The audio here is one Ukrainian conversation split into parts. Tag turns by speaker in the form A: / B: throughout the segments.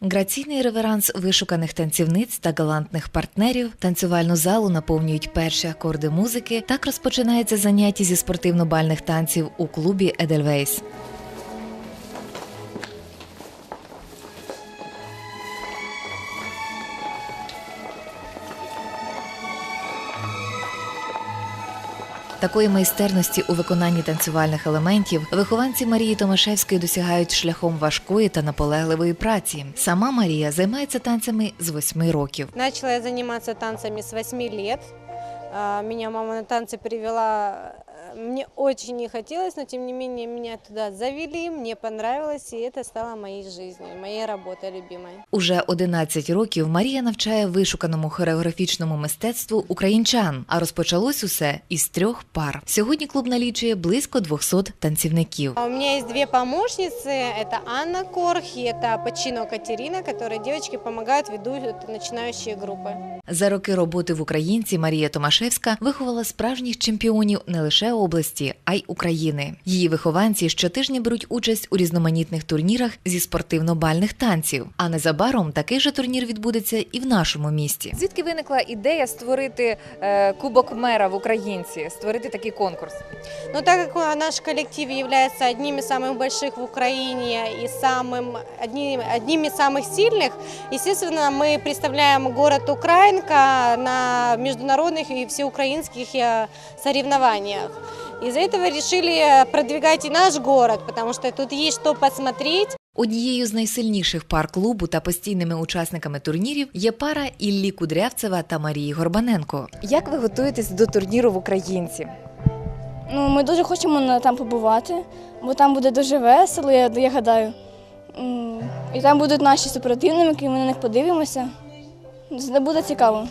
A: Граційний реверанс вишуканих танцівниць та галантних партнерів, танцювальну залу наповнюють перші акорди музики. Так розпочинається заняття зі спортивно-бальних танців у клубі «Едельвейс». Такої майстерності у виконанні танцювальних елементів вихованці Марії Томашевської досягають шляхом важкої та наполегливої праці. Сама Марія займається танцями з 8 років.
B: Начала я заниматься танцами с 8 лет. Меня мама на танцы привела. Мне очень не хотелось, но тем не менее меня туда завели, мне понравилось, и это стало моей жизнью, моей работой любимой.
A: Уже 11 років Марія навчає вишуканому хореографічному мистецтву українчан, а розпочалось усе із 3 пар. Сьогодні клуб налічує близько 200 танцівників.
B: У меня есть 2 помощницы, это Анна Корх и это Почино Катерина, которые девочки помогают, ведут начинающие группы.
A: За роки роботи в Українці Марія Томашевська виховала справжніх чемпіонів не лише області, а й України. Її вихованці щотижня беруть участь у різноманітних турнірах зі спортивно-бальних танців. А незабаром такий же турнір відбудеться і в нашому місті.
C: Звідки виникла ідея створити Кубок мера в Українці, створити такий конкурс?
B: Но так как наш коллектив является одним из самых больших в Украине и одним из самых сильных, естественно, мы представляем город Украинка на международных и всеукраинских соревнованиях. Из-за этого решили продвигать и наш город, потому что тут есть что посмотреть.
A: Однією з найсильніших пар клубу та постійними учасниками турнірів є пара Іллі Кудрявцева та Марії Горбаненко.
C: Як ви готуєтесь до турніру в Українці?
D: Ми дуже хочемо там побувати, бо там буде дуже весело, я гадаю. І там будуть наші супротивники, ми на них подивимося. Це буде цікаво.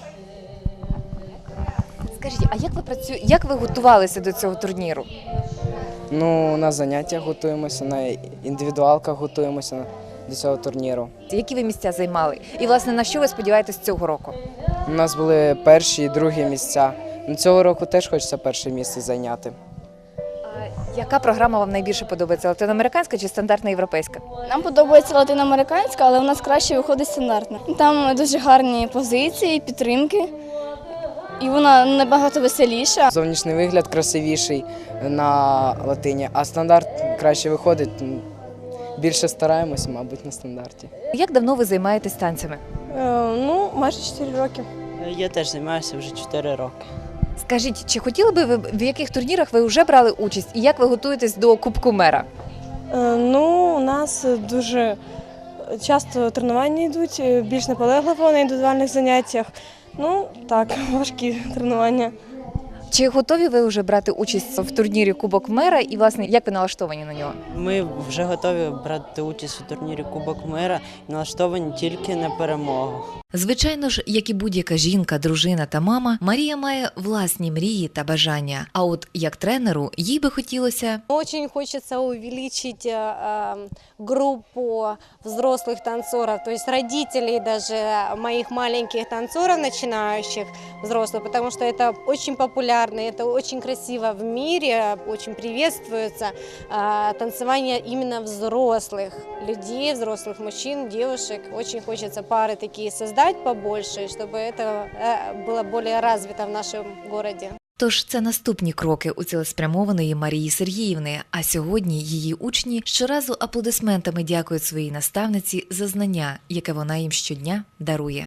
C: Скажіть, а як ви готувалися до цього турніру?
E: На заняттях готуємося, на індивідуалках готуємося до цього турніру.
C: Які ви місця займали? І, власне, на що ви сподіваєтесь цього року?
E: У нас були перші і другі місця. Цього року теж хочеться перше місце зайняти.
C: Яка програма вам найбільше подобається? Латиноамериканська чи стандартна європейська?
D: Нам подобається латиноамериканська, але у нас краще виходить стандартна. Там дуже гарні позиції, підтримки, і вона набагато веселіша.
E: Зовнішній вигляд красивіший на латині, а стандарт краще виходить. Більше стараємося, мабуть, на стандарті.
C: Як давно ви займаєтесь танцями?
B: Майже 4 роки.
F: Я теж займаюся вже 4 роки.
C: Скажіть, чи хотіли би ви, в яких турнірах ви вже брали участь і як ви готуєтесь до Кубку мера?
G: У нас дуже часто тренування йдуть, більш наполегливо на індивідуальних заняттях. Важкі тренування.
C: Чи готові ви вже брати участь в турнірі Кубок мера і, власне, як ви налаштовані на нього?
F: Ми вже готові брати участь у турнірі Кубок мера і налаштовані тільки на перемогу.
A: Звичайно ж, як і будь-яка жінка, дружина та мама, Марія має власні мрії та бажання. А от як тренеру, їй би хотілося...
B: Очень хочется увеличить группу взрослых танцоров, то есть родителей даже моих маленьких танцоров, начинающих взрослых, потому что это очень популярно, это очень красиво в мире, очень приветствуется танцевание именно взрослых людей, взрослых мужчин, девушек. Очень хочется пары такие создать побольше, чтобы это было более развито в нашем городе.
A: Тож це наступні кроки у цілеспрямованої Марії Сергіївни, а сьогодні її учні щоразу аплодисментами дякують своїй наставниці за знання, яке вона їм щодня дарує.